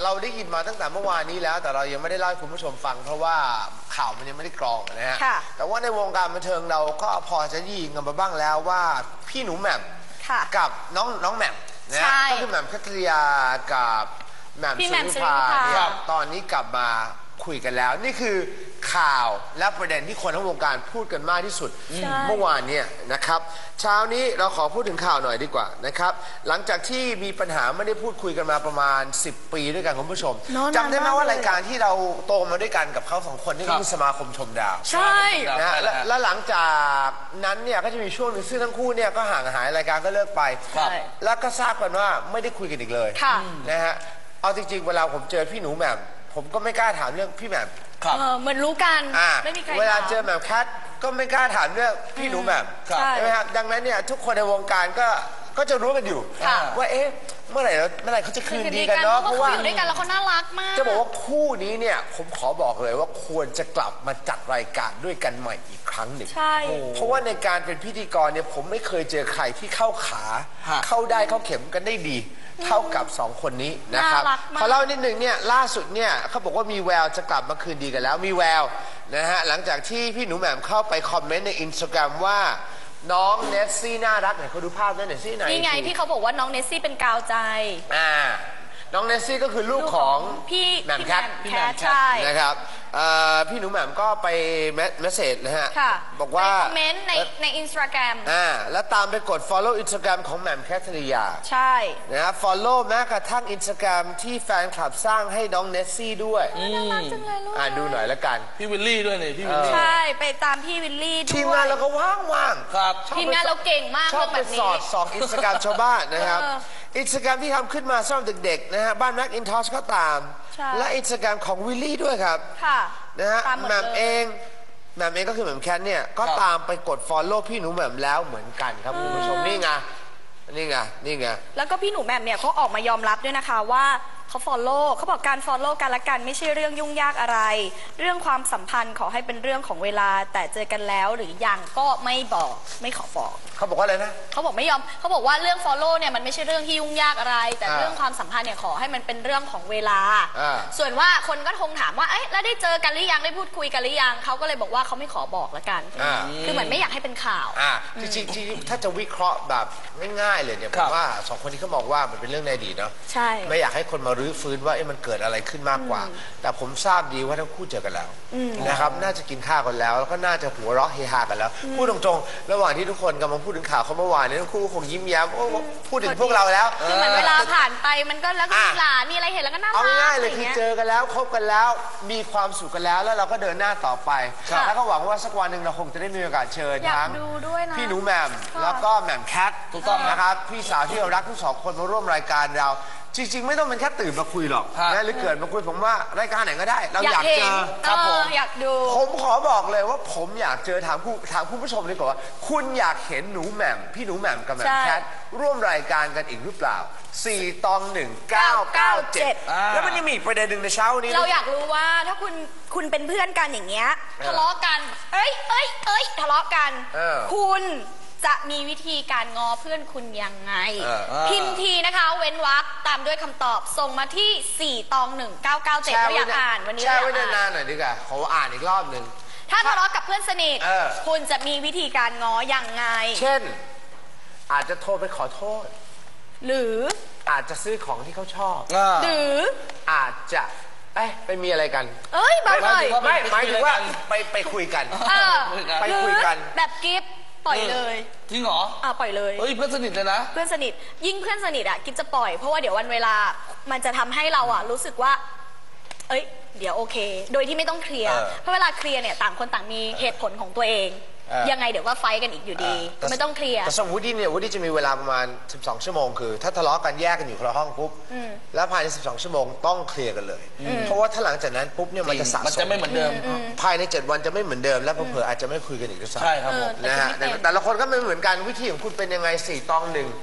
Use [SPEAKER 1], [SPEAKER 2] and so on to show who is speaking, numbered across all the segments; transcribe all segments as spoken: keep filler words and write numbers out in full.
[SPEAKER 1] เราได้ยินมาตั้งแต่เมื่อวานนี้แล้วแต่เรายังไม่ได้เล่าให้คุณผู้ชมฟังเพราะว่าข่าวมันยังไม่ได้กรองนะฮะแต่ว่าในวงการบันเทิงเราก็พอจะได้ยินกันมาบ้างแล้วว่าพี่หนูแหม่มกับน้องน้องแหม่มนะก็คือแหม่มคัทริยากับแหม่มสุริภาเนี่ยตอนนี้กลับมาคุยกันแล้วนี่คือข่าวและประเด็นที่คนทั้งวงการพูดกันมากที่สุดเมื่อวานเนี่ยนะครับเช้านี้เราขอพูดถึงข่าวหน่อยดีกว่านะครับหลังจากที่มีปัญหาไม่ได้พูดคุยกันมาประมาณสิบปีด้วยกันคุณผู้ชมจำได้ไหมว่ารายการที่เราโตมาด้วยกันกับเขาสองคนนี่คือสมาคมชมดาว
[SPEAKER 2] ใช่
[SPEAKER 1] นะและหลังจากนั้นเนี่ยก็จะมีช่วงหนึ่งซึ่งทั้งคู่เนี่ยก็ห่างหายรายการก็เลิกไปแล้วก็ทราบกันว่าไม่ได้คุยกันอีกเลยนะฮะเอาจริงๆเวลาผมเจอพี่หนูแหม่มผมก็ไม่กล้าถามเรื่องพี่แหม่ม
[SPEAKER 2] เหมือนรู้กันไม่มีใคร
[SPEAKER 1] เวลาเจอแหม่มแคทก็ไม่กล้าถามเรื่องพี่หนูแหม่มใช่ไหมครับดังนั้นเนี่ยทุกคนในวงการก็ก็จะรู้กันอยู่ว่าเอ๊ะเมื่อไหร่เมื่อไหร่เขาจะคืนดีกันเนาะ
[SPEAKER 2] เพราะว่าอยู่ด้วยกันแล้วเขาน่ารักมาก
[SPEAKER 1] จะบอกว่าคู่นี้เนี่ยผมขอบอกเลยว่าควรจะกลับมาจัดรายการด้วยกันใหม่อีกครั้งหนึ่ง
[SPEAKER 2] ใช่
[SPEAKER 1] เพราะว่าในการเป็นพิธีกรเนี่ยผมไม่เคยเจอใครที่เข้าขาเข้าได้เข้าเข็มกันได้ดีเท่ากับสองคนนี้นะครับขอเล่านิดหนึ่งเนี่ยล่าสุดเนี่ยเขาบอกว่ามีแววจะกลับมาคืนดีกันแล้วมีแววนะฮะหลังจากที่พี่หนูแหม่มเข้าไปคอมเมนต์ในอินสตาแกรมว่าน้องเนสซี่น่ารักไหนเขาดูภาพนั่นหน่อยซี่ไหน
[SPEAKER 2] นี่ไงที่เขาบอกว่าน้องเนสซี่เป็นกาวใจ
[SPEAKER 1] อ่าน้องเนสซี่ก็คือลูกของ
[SPEAKER 2] พี่
[SPEAKER 1] แหม่มแคท
[SPEAKER 2] ใช่
[SPEAKER 1] นะครับพี่หนูแหม่มก็ไปเมสเซจนะฮะบอกว่า
[SPEAKER 2] คอมเมนต์ในในอินสตาแกรม
[SPEAKER 1] อ่าแล้วตามไปกด follow อินสตาแกรมของแหม่มแคทริยา
[SPEAKER 2] ใช่
[SPEAKER 1] นะฮะ follow แม้กระทั่งอินสตาแกรมที่แฟนคลับสร้างให้น้องเนสซี่ด้วย
[SPEAKER 2] น่ารักจังเลยลูก
[SPEAKER 1] อ่าดูหน่อยละกัน
[SPEAKER 3] พี่วิลลี่ด้วยนี่พี่วิลลี่
[SPEAKER 2] ใช่ไปตามพี่วิลลี่ด้วย
[SPEAKER 1] ทีมงานเราก็ว่างว่าง
[SPEAKER 3] ครับ
[SPEAKER 2] ทีมงานเราเก่งมาก
[SPEAKER 1] ชอบไปสอดส่องอินสตาแกรมชาวบ้านนะครับอินสตาแกรมที่ทำขึ้นมาสำหรับเด็กๆนะฮะบ้านแม็กอินทอชก็ตามและอินสตาแกรมของวิลลี่ด้วยครับนะฮะแหม่มเองแหม่มเองก็คือแหม่มแคทเนี่ยก็ตามไปกด follow พี่หนูแหม่มแล้วเหมือนกันครับคุณผู้ชมนี่ไงนี่ไงนี่ไง
[SPEAKER 2] แล้วก็พี่หนูแหม่มเนี่ยเขาออกมายอมรับด้วยนะคะว่าเขา follow เขาบอกการ follow กันละกันไม่ใช่เรื่องยุ่งยากอะไรเรื่องความสัมพันธ์ขอให้เป็นเรื่องของเวลาแต่เจอกันแล้วหรือยังก็ไม่บอกไม่ขอบอก
[SPEAKER 1] เขาบอกว่าอะไรนะ
[SPEAKER 2] เขาบอกไม่ยอมเขาบอกว่าเรื่อง follow เนี่ยมันไม่ใช่เรื่องที่ยุ่งยากอะไรแต่เรื่องความสัมพันธ์เนี่ยขอให้มันเป็นเรื่องของเวลาส่วนว่าคนก็คงถามว่าเอ๊ะแล้วได้เจอกันหรือยังได้พูดคุยกันหรือยังเขาก็เลยบอกว่าเขาไม่ขอบอกละกันคือเหมือนไม่อยากให้เป็นข่าว
[SPEAKER 1] จริงจริงถ้าจะวิเคราะห์แบบง่ายๆเลยเนี่ยผมว่าสองคนนี้เขาบอกว่ามันเป็นเรื่องในอดีตเนาะ
[SPEAKER 2] ใช่
[SPEAKER 1] ไม่อยากให้คนมารื้อฟื้นว่ามันเกิดอะไรขึ้นมากกว่าแต่ผมทราบดีว่าทั้งคู่เจอกันแล้วนะครับน่าจะกินข้าวกันแล้วแล้วก็น่าจะหัวเราะเฮฮากันแล้วพูดตรงๆระหว่างที่ทุกคนกำลังพูดถึงข่าวเขาเมื่อวานนี้ทั้งคู่คงยิ้มแย้มพูดถึงพวกเราแล้ว
[SPEAKER 2] คือเหมือนเวลาผ่านไปมันก็แล้วก็มีหลานมีอะไรเห็นแล้วก็น่ารักเอา
[SPEAKER 1] ง่ายเลยคือเจอกันแล้วคบกันแล้วมีความสุขกันแล้วแล้วเราก็เดินหน้าต่อไปแล้วก็หวังว่าสักวันหนึ่งเราคงจะได้มีโอกาสเชิญทั้งพี่หนูแหม่มแล้วก็แหม่มแคทถูกต้องนะครับพี่สาวที่เรารักทั้งสองคนมาร่วมรายการเราจริงๆไม่ต้องเป็นแค่ตื่นมาคุยหรอกนะหรือเกิดมาคุยผมว่ารายการไหนก็ได้เราอยากเจอ
[SPEAKER 2] ครับผมอยากดู
[SPEAKER 1] ผมขอบอกเลยว่าผมอยากเจอถามผู้ถามคุณผู้ชมดีกว่าคุณอยากเห็นหนูแหม่มพี่หนูแหม่มกับแหม่มแคทร่วมรายการกันอีกหรือเปล่าสี่ตองหนึ่งเก้าเก้าเจ็ดแล้วมันยังมีประเด็นหนึ่งในเช้านี้
[SPEAKER 2] เราอยากรู้ว่าถ้าคุณคุณเป็นเพื่อนกันอย่างเงี้ยทะเลาะกันเอ้ยเอ้ยเอ้ยทะเลาะกันคุณจะมีวิธีการงอเพื่อนคุณยังไงพิมพ์ทีนะคะเว้นวรรคตามด้วยคำตอบส่งมาที่สี่ตองหนึ่งเก้าเก้าเจ็ดเราอยากอ่านวันนี้
[SPEAKER 1] แช่ไว้นานๆหน่อยดีกว่าขออ่านอีกรอบหนึ่ง
[SPEAKER 2] ถ้าทะเลาะกับเพื่อนสนิทคุณจะมีวิธีการงอยังไง
[SPEAKER 1] เช่นอาจจะโทรไปขอโทษ
[SPEAKER 2] หรือ
[SPEAKER 1] อาจจะซื้อของที่เขาชอบ
[SPEAKER 2] หรือ
[SPEAKER 1] อาจจะเอ้ไปมีอะไรกัน
[SPEAKER 2] เอ้ยบ้าเลย
[SPEAKER 1] ไม่หมายถึงว่าไปไปคุยกันไปคุยกัน
[SPEAKER 2] แบบกิฟต์ปล่อยเลย
[SPEAKER 3] จริงเหรอ
[SPEAKER 2] อ่าปล่อยเลย
[SPEAKER 3] เฮ้ยเพื่อนสนิทเลยนะ
[SPEAKER 2] เพื่อนสนิทยิ่งเพื่อนสนิทอ่ะกิฟจะปล่อยเพราะว่าเดี๋ยววันเวลามันจะทำให้เราอ่ะรู้สึกว่าเอ้ยเดี๋ยวโอเคโดยที่ไม่ต้องเคลียร์เพราะเวลาเคลียร์เนี่ยต่างคนต่างมีเหตุผลของตัวเองยังไงเดี๋ยวก็ไฟกันอีกอยู่ดีไม่ต้องเคลียร์
[SPEAKER 1] แต่สมมติเนี่ยวูดดี้จะมีเวลาประมาณสิบสองชั่วโมงคือถ้าทะเลาะกันแยกกันอยู่คนละห้องปุ๊บแล้วภายในสิบสองชั่วโมงต้องเคลียร์กันเลยเพราะว่าถ้าหลังจากนั้นปุ๊บเนี่ยมันจะสะสม
[SPEAKER 3] มันจะไม่เหมือนเดิม
[SPEAKER 1] ภายในเจ็ดวันจะไม่เหมือนเดิมและเผลออาจจะไม่คุยกันอีกด้วยซ้ำ
[SPEAKER 3] ใช่ครับผม
[SPEAKER 1] นะฮะแต่ละคนก็ไม่เหมือนกันวิธีของคุณเป็นยังไงสี่ตองหนึ่ง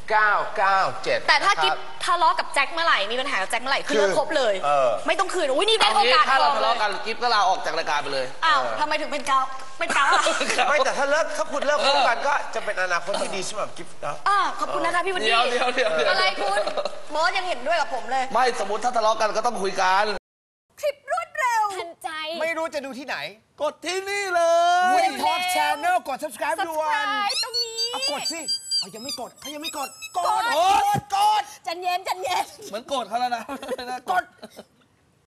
[SPEAKER 1] เก้าเก้าเจ็ด
[SPEAKER 2] แต่ถ้ากิ๊บทะเลาะกับแจ็คเมื่อไหร่มีปัญหากับแจ็คเมื่อไหร่คือเลิกคบเลย ไม่ต้องคืนอุ้ยนี่ได้
[SPEAKER 3] เอา
[SPEAKER 2] โอ
[SPEAKER 3] งี้
[SPEAKER 2] กาส
[SPEAKER 3] ถ้าเรา
[SPEAKER 2] ทอง
[SPEAKER 3] ทะ
[SPEAKER 2] เล
[SPEAKER 3] เลาะ
[SPEAKER 2] ย
[SPEAKER 3] กันกิ๊บก็ลาออกจากรายการไปเลย
[SPEAKER 2] อ้าวทำไมถึงเป็นเกาเป็นเกาอ่ะ
[SPEAKER 1] ไม่แต่ถ้าเลิกถ้าคุณเลิกคบกันก็จะเป็นอนาคตที่ดีสำหรับกิฟต์นะ
[SPEAKER 2] อ่าขอบคุณนะคะพี่วันนี้
[SPEAKER 3] เดี๋ยวเดี๋ยวเดี๋ยวเดี๋ยว
[SPEAKER 2] อะไรคุณบอสยังเห็นด้วยกับผมเลย
[SPEAKER 3] ไม่สมมติถ้าทะเลาะกันก็ต้องคุยกัน
[SPEAKER 2] คลิปรวดเร็วทันใจ
[SPEAKER 1] ไม่รู้จะดูที่ไหน
[SPEAKER 3] กดที่นี่เลย
[SPEAKER 1] Woody Talk Channel กด subscribe ด่วน
[SPEAKER 2] subscribe ตรงนี้
[SPEAKER 1] เอากดสิเขายังไม่กดเขายังไม่กด กด
[SPEAKER 2] กด
[SPEAKER 1] กด กด
[SPEAKER 2] จันเย็นจันเย็น
[SPEAKER 3] เหมือนโกรธเขาแล้วนะ
[SPEAKER 1] กด